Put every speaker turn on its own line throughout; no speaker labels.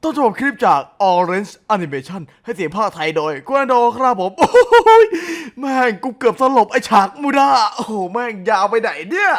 ต้นฉบับคลิปจาก Orange Animation ให้เสียงภาคไทยโดยกวนโดครับผมโอ้ยแม่งกูเกือบสลบไอฉากมูดาโอ้โหแม่งยาวไปไหนเนี่ย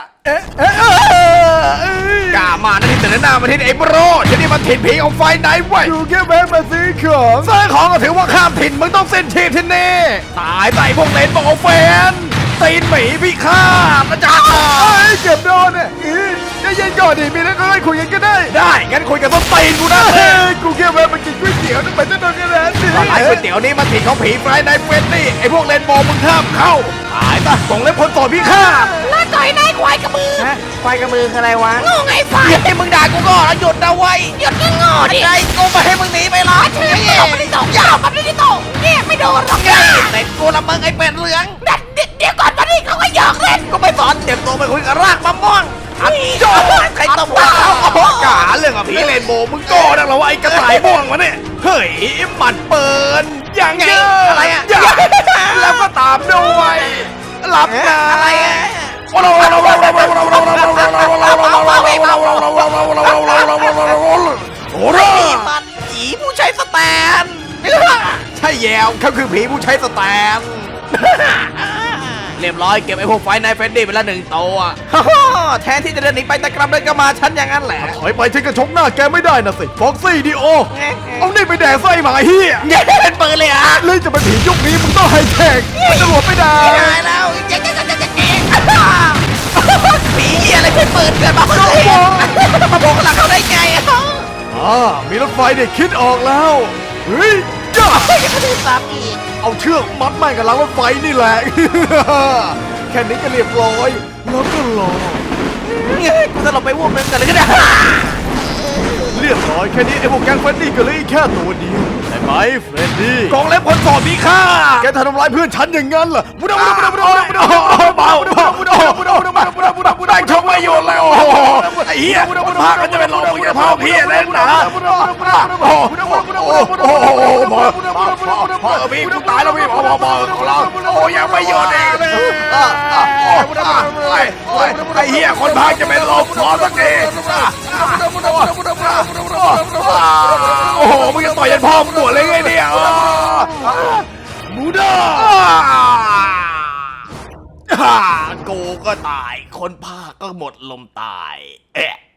กล้ามานะที่แต่หน้ามาที่ไอ้โบรจะนี่มันถิ่นผีของไฟไหนไว้
อยู่แค่แม่มาซื้อของ
ซื้อของก็ถือว่าข้ามถิ่นมึงต้องเส้นชีพที่นี่ตายไปพวกเลนบอกแฟนตีนหมีพี่ข้านะจ๊ะ
เก็บโดนเนี่ยจะเย็นก่อนดิมีแล้วก็คุยกันก็ได้
ได้งั้นคุยกับต้นตีนกูนะ
กูแค่แวะมากินก๋วยเตี๋ยวทำไมต้องโดนกันแล้วนี่
ร้านก๋วยเตี๋ยวนี้มันถิ่นของผีไฟในเฟนนี่ไอ้พวกเลนบอกมึงห้ามเข้าตายซะส่งเล็บคนต่อพี่ข้า
แล้วต่อยนายควายกระมือ
ควายกระมือคืออะไรวะ
โง่ไงไฟ
ให้มึงด่ากูก่อนหยุดนะไว้
หยุดก็โง่ดิ
ไอ้กูไม่ให้มึงหนีไปหรอก
เชื่อตบไม่ได้ตบยาวมันไม่ได้ตบเนี่ยไม่โดนหรอกเนี่ย
เต็มกูละมึงไอ้เป็ดเหลือง
เดี๋ยวก่อนตอนนี้เขาก็หยอกเล่น
ก็ไม่สอนเตรียมตัวไปคุยกับรากมะม่วงจอใครตบว่าเขากาเรื่องกับผีเลนโบมึงโก้ดังแล้วว่าไอ้กระต่ายม่วงวะเนี่ยเฮ้ยหมัดเปินอย่างเงี้ยอะไรอ่ะแล้วก็ตามด้วยหลับนะ
อะไรอ่ะ
โอ้โห
มันผีผู้ใช้สแตน
ใช่แยวเขาคือผีผู้ใช้สแตนเรียบร้อยเก็บไอ้พวกไฟในเฟนดี้ไปละ1 ตัวแทนที่จะเดินหนีไปแต่กลับเดินกลับมาฉันอย่างนั้นแหละ
ถอยไปฉันก็ชกหน้าแกไม่ได้นะสิฟ็อกซี่ดิโอเอานี่ไปแดกไส้หมาเฮีย
เนี่ยเป็นปืนเลยอ่ะ
เลยจะเป็นผียุคนี้มึงต้องไฮเทคไม่ตำรวจไม่ได้
ตายแล้วผีอะไรเป็นปืนเกิดมาเพื่อมาบอกหลังเขาได้ไง
มีรถไฟเด็กคิดออกแล้วเฮ้ยจ้า
ยังไม่ได้ซ้ำอีก
เอาเชือกมัดแม่งกับรางรถไฟนี่แหละแค่นี้ก็เรียบร้อยแล้วก็รอ
กูจะหลบไปวูบนึงกันเลยก็ได้
เรียบร้อยแค่นี้ไอ้พวกแก๊งเฟรนดี้ก็เลยแค่ตัวเดียวใช่ไหมเฟรนดี้
กองเล็บคนสอบมีค่า
แกทำร้ายเพื่อนฉันอย่างนั้นเหรอ
มุดได้ชมไม่หยุดเลยโอ้โหไอ้เหี้ยพากันจะเป็นลมมึงจะพาพี่เล่นนะโอ้โหพี่กูตายแล้วพี่พอของเราโอ้ยังไม่หยุดเองไอ้เหี้ยคนพาจะเป็นลมพอสักทีโอ้โหมึงจะต่อยยันพ่อมึงปวดเลยไงเนี่ย
มูด้า
กูก็ตายคนพาก็หมดลมตาย